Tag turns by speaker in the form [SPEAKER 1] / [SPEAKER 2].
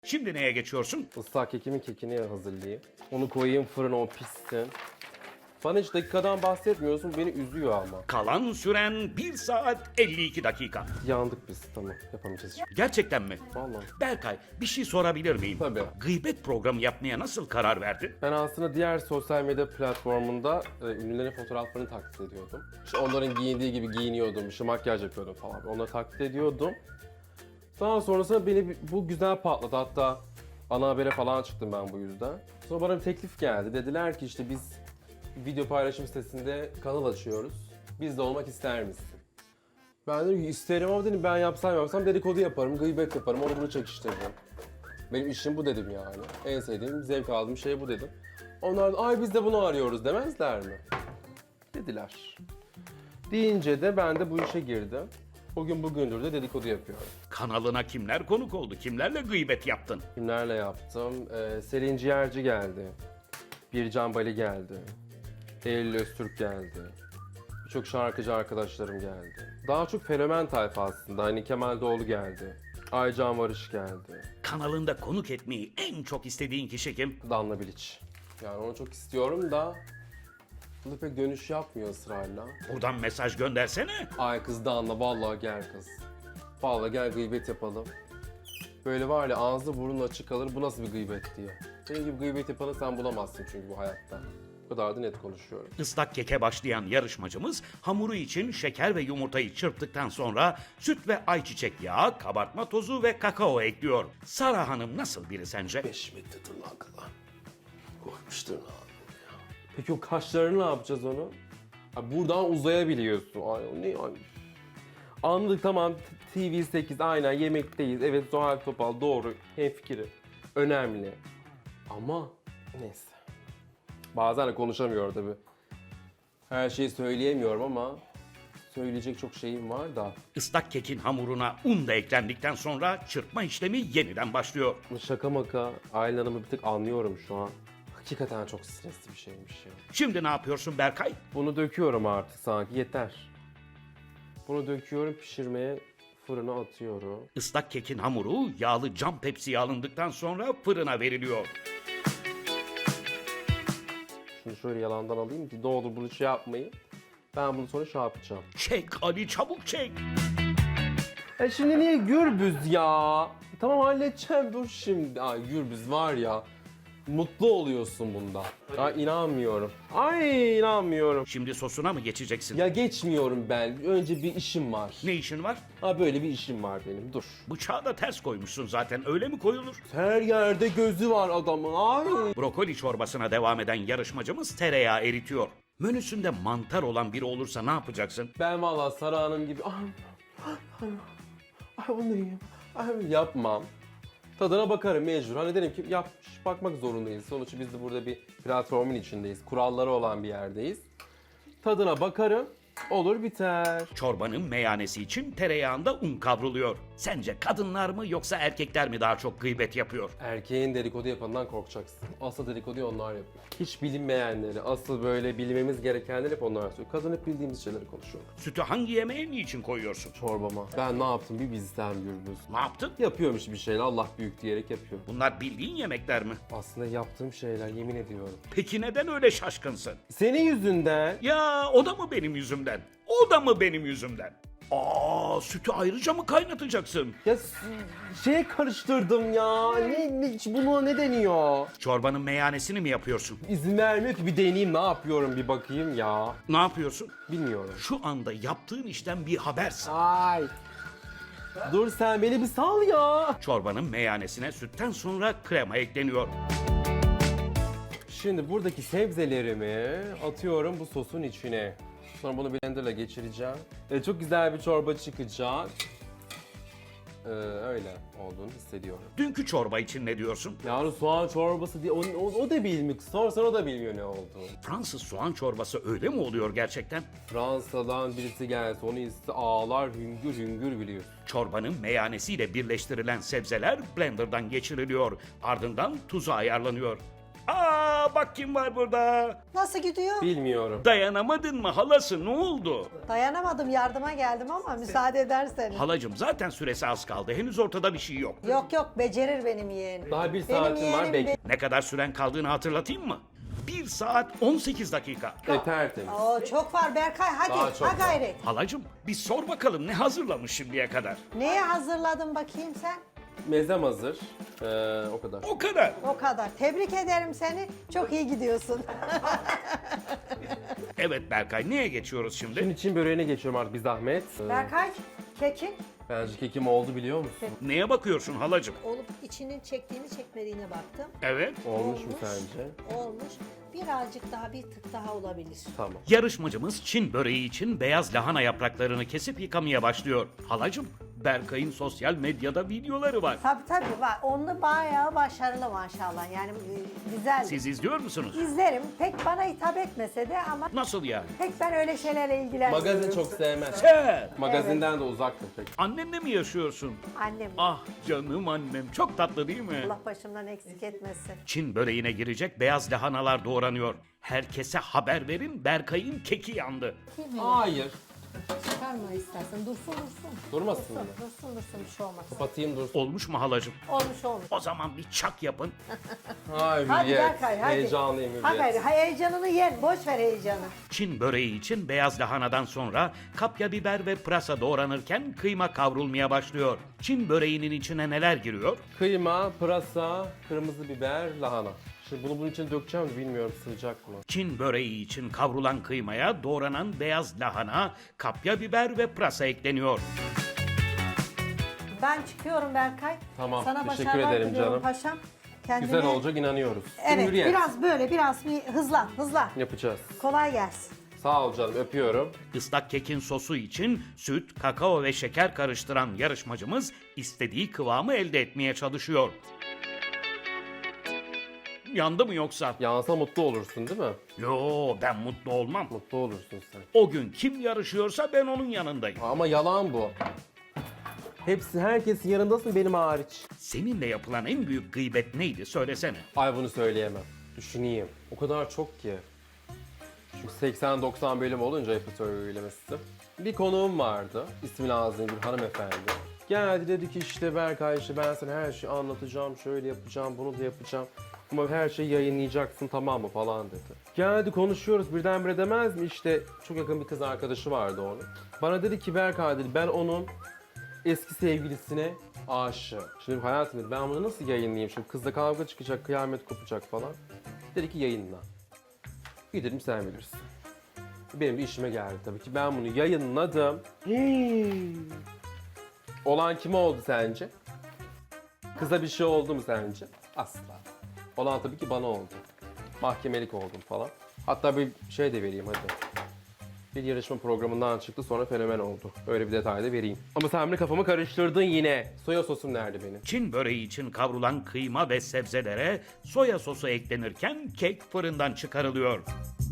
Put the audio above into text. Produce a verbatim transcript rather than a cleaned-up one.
[SPEAKER 1] Şimdi neye geçiyorsun?
[SPEAKER 2] Islak kekimin kekini hazırlayayım. Onu koyayım fırına, o pişsin. Bana hiç dakikadan bahsetmiyorsun, beni üzüyor ama.
[SPEAKER 1] Kalan süren bir saat elli iki dakika.
[SPEAKER 2] Yandık biz, tamam yapamayacağız.
[SPEAKER 1] Gerçekten mi?
[SPEAKER 2] Vallahi.
[SPEAKER 1] Berkay, bir şey sorabilir miyim?
[SPEAKER 2] Tabii.
[SPEAKER 1] Gıybet programı yapmaya nasıl karar verdin?
[SPEAKER 2] Ben aslında diğer sosyal medya platformunda e, ünlülerin fotoğraflarını taklit ediyordum. İşte onların giyindiği gibi giyiniyordum, işte makyaj yapıyordum falan. Onları taklit ediyordum. Daha sonrasında beni bu güzel patladı. Hatta ana habere falan çıktım ben bu yüzden. Sonra bana bir teklif geldi. Dediler ki işte biz video paylaşım sitesinde kanal açıyoruz. Biz de olmak ister misin? Ben dedim ki isterim ama dedim ben yapsam yapsam dedikodu yaparım, gıybet yaparım, onu bunu çekiştiririm. Benim işim bu dedim yani. En sevdiğim, zevk aldığım şey bu dedim. Onlar da ay biz de bunu arıyoruz demezler mi? Dediler. Deyince de ben de bu işe girdim. Bugün bugündür de dedikodu yapıyorum.
[SPEAKER 1] Kanalına kimler konuk oldu? Kimlerle gıybet yaptın?
[SPEAKER 2] Kimlerle yaptım? Ee, Selin Ciğerci geldi. Bircan Bali geldi. Eylül Öztürk geldi. Birçok şarkıcı arkadaşlarım geldi. Daha çok fenomen tayfa aslında. Hani Kemal Doğulu geldi. Aycan Varış geldi.
[SPEAKER 1] Kanalında konuk etmeyi en çok istediğin kişi kim?
[SPEAKER 2] Danla Bilic. Yani onu çok istiyorum da bu da pek dönüş yapmıyor ısrarla.
[SPEAKER 1] Buradan mesaj göndersene.
[SPEAKER 2] Ay kız Danla vallahi gel kız. Vallahi gel gıybet yapalım. Böyle var ya ağzı burnun açık kalır bu nasıl bir gıybet diye. Senin gibi gıybet yapanı sen bulamazsın çünkü bu hayatta. Bu kadar da net konuşuyorum.
[SPEAKER 1] Islak keke başlayan yarışmacımız hamuru için şeker ve yumurtayı çırptıktan sonra süt ve ayçiçek yağı, kabartma tozu ve kakao ekliyor. Sara Hanım nasıl biri sence?
[SPEAKER 2] beş metre tırnağa kadar. Koymuş tırnağı. Peki o kaşlarını ne yapacağız onu? Ha, buradan uzayabiliyorsun. Ay o ne ay. Anladık tamam T V sekiz aynen yemekteyiz. Evet Zuhal Topal doğru hemfikiri. Önemli. Ama neyse. Bazen de konuşamıyorum tabii. Her şeyi söyleyemiyorum ama söyleyecek çok şeyim var da.
[SPEAKER 1] Islak kekin hamuruna un da eklendikten sonra çırpma işlemi yeniden başlıyor.
[SPEAKER 2] Şaka maka Aylin Hanım'ı bir tık anlıyorum şu an. Hakikaten çok stresli bir şeymiş ya.
[SPEAKER 1] Şimdi ne yapıyorsun Berkay?
[SPEAKER 2] Bunu döküyorum artık sanki yeter. Bunu döküyorum pişirmeye fırına atıyorum.
[SPEAKER 1] Islak kekin hamuru yağlı cam tepsiye alındıktan sonra fırına veriliyor.
[SPEAKER 2] Şunu şöyle yalandan alayım ki ne olur bunu şey yapmayın. Ben bunu sonra şey yapacağım.
[SPEAKER 1] Çek Ali çabuk çek.
[SPEAKER 2] E şimdi niye gürbüz ya? Tamam halledeceğim dur şimdi. Ay gürbüz var ya. Mutlu oluyorsun bunda. Ay inanmıyorum. Ay inanmıyorum.
[SPEAKER 1] Şimdi sosuna mı geçeceksin?
[SPEAKER 2] Ya geçmiyorum ben. Önce bir işim var.
[SPEAKER 1] Ne işin var?
[SPEAKER 2] Ha böyle bir işim var benim. Dur.
[SPEAKER 1] Bıçağı da ters koymuşsun zaten, öyle mi koyulur?
[SPEAKER 2] Her yerde gözü var adamın. Ay.
[SPEAKER 1] Brokoli çorbasına devam eden yarışmacımız tereyağı eritiyor. Menüsünde mantar olan biri olursa ne yapacaksın?
[SPEAKER 2] Ben valla Sara Hanım gibi ay, ay, ay bunu yiyeyim. Ay, yapmam. Tadına bakarım mecbur. Hani derim ki yapmış bakmak zorundayız. Sonuçta biz de burada bir platformun içindeyiz. Kuralları olan bir yerdeyiz. Tadına bakarım. Olur biter.
[SPEAKER 1] Çorbanın meyanesi için tereyağında un kavruluyor. Sence kadınlar mı yoksa erkekler mi daha çok gıybet yapıyor?
[SPEAKER 2] Erkeğin dedikodu yapanından korkacaksın. Asıl dedikoduyu onlar yapıyor. Hiç bilinmeyenleri, asıl böyle bilmemiz gerekenleri hep onlar söylüyor. Kadın hep bildiğimiz şeyleri konuşuyor.
[SPEAKER 1] Sütü hangi yemeğe niçin koyuyorsun?
[SPEAKER 2] Çorbama. Ben ne yaptım bir bizden gürbüz.
[SPEAKER 1] Ne yaptın?
[SPEAKER 2] Yapıyormuş bir şeyler Allah büyük diyerek yapıyor.
[SPEAKER 1] Bunlar bildiğin yemekler mi?
[SPEAKER 2] Aslında yaptığım şeyler yemin ediyorum.
[SPEAKER 1] Peki neden öyle şaşkınsın?
[SPEAKER 2] Senin yüzünden.
[SPEAKER 1] Ya o da mı benim yüzümden? O da mı benim yüzümden? Aa, sütü ayrıca mı kaynatacaksın?
[SPEAKER 2] Ya s- şeye karıştırdım ya. Ne, ne buna ne deniyor?
[SPEAKER 1] Çorbanın meyanesini mi yapıyorsun?
[SPEAKER 2] İzin vermiyor ki bir deneyeyim ne yapıyorum bir bakayım ya.
[SPEAKER 1] Ne yapıyorsun?
[SPEAKER 2] Bilmiyorum.
[SPEAKER 1] Şu anda yaptığın işten bir habersin.
[SPEAKER 2] Ay. Dur sen beni bir sal ya.
[SPEAKER 1] Çorbanın meyanesine sütten sonra krema ekleniyor.
[SPEAKER 2] Şimdi buradaki sebzelerimi atıyorum bu sosun içine. Sonra bunu blenderla geçireceğim. E, çok güzel bir çorba çıkacak. Ee, öyle olduğunu hissediyorum.
[SPEAKER 1] Dünkü çorba için ne diyorsun?
[SPEAKER 2] Yani soğan çorbası diye o, o, o da bilmiyor. Sorsan o da bilmiyor ne olduğunu.
[SPEAKER 1] Fransız soğan çorbası öyle mi oluyor gerçekten?
[SPEAKER 2] Fransa'dan birisi gelse onu iste ağlar hüngür hüngür biliyor.
[SPEAKER 1] Çorbanın meyanesiyle birleştirilen sebzeler blenderdan geçiriliyor. Ardından tuzu ayarlanıyor. Aa, Aa bak kim var burada.
[SPEAKER 3] Nasıl gidiyor?
[SPEAKER 2] Bilmiyorum.
[SPEAKER 1] Dayanamadın mı halası, ne oldu?
[SPEAKER 3] Dayanamadım, yardıma geldim ama müsaade ederseniz.
[SPEAKER 1] Halacım zaten süresi az kaldı. Henüz ortada bir şey yok.
[SPEAKER 3] Yok yok, becerir benim yeğenim.
[SPEAKER 2] Daha bir
[SPEAKER 3] Benim
[SPEAKER 2] saatim var,
[SPEAKER 3] yeğenim
[SPEAKER 2] bekle.
[SPEAKER 3] be-
[SPEAKER 1] Ne kadar süren kaldığını hatırlatayım mı? bir saat on sekiz dakika.
[SPEAKER 2] E, tertemiz.
[SPEAKER 3] Oo, çok var Berkay, hadi
[SPEAKER 2] Daha çok
[SPEAKER 3] ha
[SPEAKER 2] var.
[SPEAKER 3] gayret.
[SPEAKER 1] Halacım bir sor bakalım ne hazırlamış şimdiye kadar?
[SPEAKER 3] Neye hazırladın bakayım sen?
[SPEAKER 2] Mezem hazır. Ee, o kadar.
[SPEAKER 1] O kadar.
[SPEAKER 3] O kadar. Tebrik ederim seni. Çok iyi gidiyorsun.
[SPEAKER 1] Evet Berkay, neye geçiyoruz şimdi?
[SPEAKER 2] Şimdi Çin böreğine geçiyorum artık bir zahmet. Ee,
[SPEAKER 3] Berkay, kekin
[SPEAKER 2] Bence kekim oldu biliyor musun?
[SPEAKER 1] Neye bakıyorsun halacım?
[SPEAKER 3] olup içinin çektiğini çekmediğine baktım.
[SPEAKER 1] Evet.
[SPEAKER 2] Olmuş mu
[SPEAKER 3] Olmuş.
[SPEAKER 2] sence?
[SPEAKER 3] Olmuş. Birazcık daha, bir tık daha olabilir.
[SPEAKER 2] Tamam.
[SPEAKER 1] Yarışmacımız Çin böreği için beyaz lahana yapraklarını kesip yıkamaya başlıyor. Halacım, Berkay'ın sosyal medyada videoları var.
[SPEAKER 3] Tabii tabii var. Onu bayağı başarılı maşallah. Yani e, güzel.
[SPEAKER 1] Siz izliyor musunuz?
[SPEAKER 3] İzlerim. Pek bana hitap etmese de ama
[SPEAKER 1] Nasıl yani?
[SPEAKER 3] pek ben öyle şeylerle ilgilenmiyorum.
[SPEAKER 2] Magazin çok sevmez.
[SPEAKER 1] Sen
[SPEAKER 2] Magazinden de uzaktır pek.
[SPEAKER 1] annenle mi yaşıyorsun?
[SPEAKER 3] Annem.
[SPEAKER 1] Ah canım annem, çok tatlı değil mi?
[SPEAKER 3] Allah başımdan eksik etmesin.
[SPEAKER 1] Çin böreğine girecek beyaz lahanalar doğranıyor. Herkese haber verin, Berkay'ın keki yandı.
[SPEAKER 2] Hayır.
[SPEAKER 3] Çıkarma istersen. Dursun dursun.
[SPEAKER 2] Durmasın mı?
[SPEAKER 3] Dursun dursun, bir şey olmaz.
[SPEAKER 2] Kapatayım dursun.
[SPEAKER 1] Olmuş mu halacım?
[SPEAKER 3] Olmuş olmuş.
[SPEAKER 1] O zaman bir çak yapın.
[SPEAKER 2] Hayır
[SPEAKER 3] Hadi
[SPEAKER 2] Hürriyet.
[SPEAKER 3] Berkay hadi.
[SPEAKER 2] Heyecanlıyım
[SPEAKER 3] Ha
[SPEAKER 2] Hürriyet.
[SPEAKER 3] gayri, heyecanını yen. Boş ver heyecanı.
[SPEAKER 1] Çin böreği için beyaz lahanadan sonra kapya biber ve pırasa doğranırken kıyma kavrulmaya başlıyor. Çin böreğinin içine neler giriyor?
[SPEAKER 2] Kıyma, pırasa, kırmızı biber, lahana. Şimdi bunu bunun içine dökeceğim de bilmiyorum sığacak mı?
[SPEAKER 1] Çin böreği için kavrulan kıymaya doğranan beyaz lahana, kapya biber ve pırasa ekleniyor.
[SPEAKER 3] Ben çıkıyorum Berkay.
[SPEAKER 2] Tamam,
[SPEAKER 3] Sana
[SPEAKER 2] teşekkür
[SPEAKER 3] başarılar
[SPEAKER 2] ederim
[SPEAKER 3] diliyorum
[SPEAKER 2] canım.
[SPEAKER 3] paşam. Kendine...
[SPEAKER 2] Güzel olacak inanıyoruz.
[SPEAKER 3] Evet,
[SPEAKER 2] Hürriyet.
[SPEAKER 3] biraz böyle, biraz bir hızlan, hızlan.
[SPEAKER 2] Yapacağız.
[SPEAKER 3] Kolay gelsin.
[SPEAKER 2] Sağ ol canım öpüyorum.
[SPEAKER 1] Islak kekin sosu için süt, kakao ve şeker karıştıran yarışmacımız istediği kıvamı elde etmeye çalışıyor. Yandı mı yoksa?
[SPEAKER 2] Yansa mutlu olursun değil mi?
[SPEAKER 1] Yo, ben mutlu olmam.
[SPEAKER 2] Mutlu olursun sen.
[SPEAKER 1] O gün kim yarışıyorsa ben onun yanındayım.
[SPEAKER 2] Ama yalan bu. Hepsi herkesin yanındasın benim hariç.
[SPEAKER 1] Seninle yapılan en büyük gıybet neydi söylesene.
[SPEAKER 2] Ay bunu söyleyemem. Düşüneyim. O kadar çok ki. Çünkü seksen doksan bölüm olunca yapı söylemesi. Bir konuğum vardı. İsmi Nazlı bir hanımefendi. Geldi dedi ki işte Berkay işte ben sana her şeyi anlatacağım. Şöyle yapacağım, bunu da yapacağım. Ama her şeyi yayınlayacaksın tamam mı falan dedi. Geldi konuşuyoruz birdenbire demez mi işte çok yakın bir kız arkadaşı vardı onun. Bana dedi ki Berkay dedi ben onun eski sevgilisine aşığım. Şimdi hayatım dedi ben bunu nasıl yayınlayayım şimdi kızla kavga çıkacak kıyamet kopacak falan. Dedi ki yayınla. Gidelim sen bilirsin. Benim de işime geldi tabii ki ben bunu yayınladım. Hmm. Olan kime oldu sence? Kıza bir şey oldu mu sence? Asla. Olan tabii ki bana oldu. Mahkemelik oldum falan. Hatta bir şey de vereyim hadi. Bir yarışma programından çıktı sonra fenomen oldu. Öyle bir detay da vereyim. Ama sen beni kafamı karıştırdın yine. Soya sosum nerede benim?
[SPEAKER 1] Çin böreği için kavrulan kıyma ve sebzelere soya sosu eklenirken kek fırından çıkarılıyor.